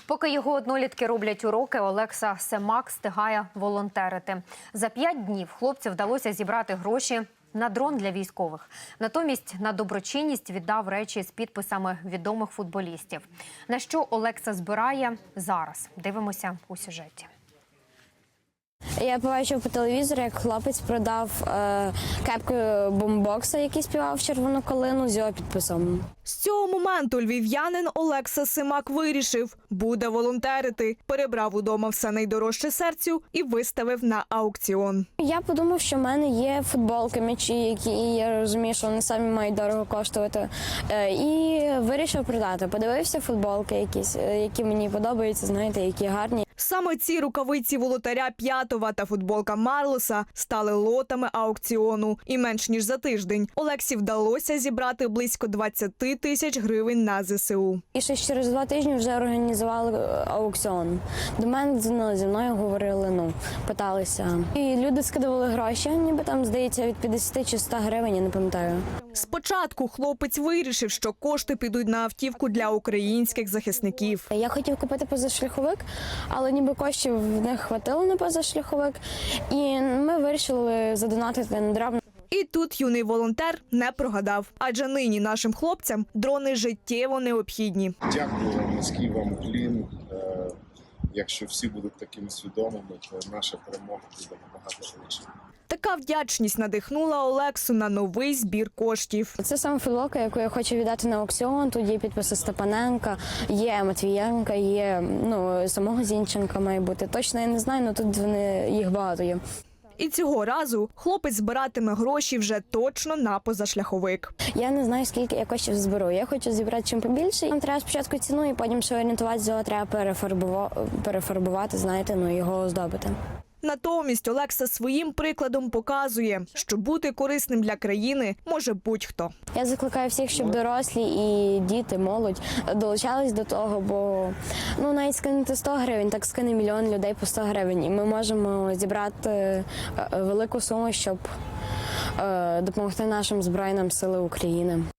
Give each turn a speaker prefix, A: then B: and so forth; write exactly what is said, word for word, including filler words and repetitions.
A: Поки його однолітки роблять уроки, Олекса Семак встигає волонтерити. За п'ять днів хлопцю вдалося зібрати гроші на дрон для військових. Натомість на доброчинність віддав речі з підписами відомих футболістів. На що Олекса збирає зараз? Дивимося у сюжеті.
B: Я побачив по телевізору, як хлопець продав е, кепку бумбокса, який співав «Червону калину» з його підписом.
C: З цього моменту львів'янин Олекса Семак вирішив – буде волонтерити. Перебрав удома все найдорожче серцю і виставив на аукціон.
B: Я подумав, що в мене є футболки, м'ячі, які я розумію, що вони самі мають дорого коштувати. Е, і вирішив продати. Подивився футболки якісь, які мені подобаються, знаєте, які гарні.
C: Саме ці рукавиці волотаря П'ятова та футболка Марлоса стали лотами аукціону. І менш ніж за тиждень Олексі вдалося зібрати близько двадцять тисяч гривень на зе се у.
B: І ще через два тижні вже організували аукціон. До мене ну, зі мною говорили, ну, питалися. І люди скидували гроші, ніби там, здається, від п'ятдесят чи сто гривень, я не пам'ятаю.
C: Спочатку хлопець вирішив, що кошти підуть на автівку для українських захисників.
B: Я хотів купити позашляховик, але ніби коштів не хватило на позашляховик. І ми вирішили задонатити на драб.
C: І тут юний волонтер не прогадав, адже нині нашим хлопцям дрони життєво необхідні.
D: Дякую вам, низький вам уклін. Е, Якщо всі будуть такими свідомими, то наша перемога буде набагато швидше.
C: Така вдячність надихнула Олексу на новий збір коштів.
B: Це саме футболка, яку я хочу віддати на аукціон. Тут є підписи Степаненка, є Матвієнка, є ну, самого Зінченка має бути. Точно я не знаю, але тут вони, їх багато є.
C: І цього разу хлопець збиратиме гроші вже точно на позашляховик.
B: Я не знаю, скільки я коштів зберу. Я хочу зібрати чим побільше. Нам треба спочатку ціну, і потім ще орієнтуватися, його треба перефарбувати, перефарбувати, знаєте, ну, його оздобити.
C: Натомість Олекса своїм прикладом показує, що бути корисним для країни може будь-хто.
B: Я закликаю всіх, щоб дорослі і діти, молодь долучались до того, бо ну, навіть скинути сто гривень, так скине мільйон людей по сто гривень. І ми можемо зібрати велику суму, щоб допомогти нашим Збройним силам України.